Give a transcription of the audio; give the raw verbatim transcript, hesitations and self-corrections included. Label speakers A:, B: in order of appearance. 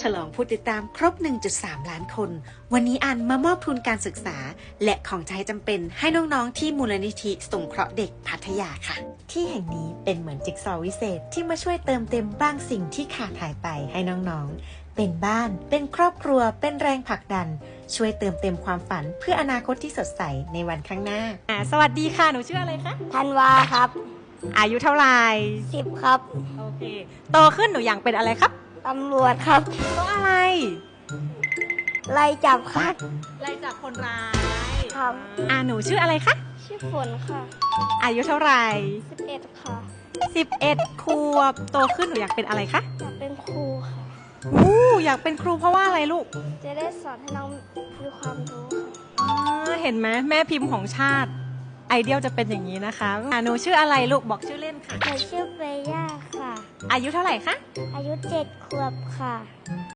A: ลองผู้ติดตามครบ หนึ่งจุดสาม ล้านคน วันนี้อันมามอบทุนการศึกษา และของใช้จำเป็นให้น้องๆที่มูลนิธิสงเคราะห์เด็กพัทยาค่ะ ที่แห่งนี้เป็นเหมือนจิ๊กซอว์วิเศษที่มาช่วยเติมเต็มบางสิ่งที่ขาดหายไปให้น้องๆเป็นบ้านเป็นครอบครัวเป็นแรงผลักดันช่วยเติมเต็มความฝันเพื่ออนาคตที่สดใสในวันข้างหน้าอ่าสวัสดีค่ะหนูชื่ออะไรคะ
B: ธันวาครับ
A: อายุเท่าไหร่
B: สิบครับ
A: โอเคโตขึ้นหนูอยากเป็นอะไรครับ
B: ตำรวจครับ
A: เพราะอะไร
B: ไล่จับครับ
A: ไล่จับคนร้าย
B: ครับ
A: อ่าหนูชื่ออะไรคะ
B: ชื่อฝนค่ะ
A: อายุเท่าไหร่
B: สิบเอ็ดค่ะ
A: สิบเอ็ดขวบโตขึ้นหนูอยากเป็นอะไรคะ
B: อยากเป็นครูค่ะ
A: อู้อยากเป็นครูเพราะว่าอะไรลูก
B: จะได้สอนให้น้องมีความรู้
A: ค่ะอ๋อเห็นไหมแม่พิมพ์ของชาติไอเดียลจะเป็นอย่างนี้นะคะอ่าหนูชื่ออะไรลูกบอกชื่อเล่นค่ะ
B: หนูชื่อเบย่าค่ะ
A: อายุเท่าไหร่คะ
B: อายุเจ็ดขวบค่ะ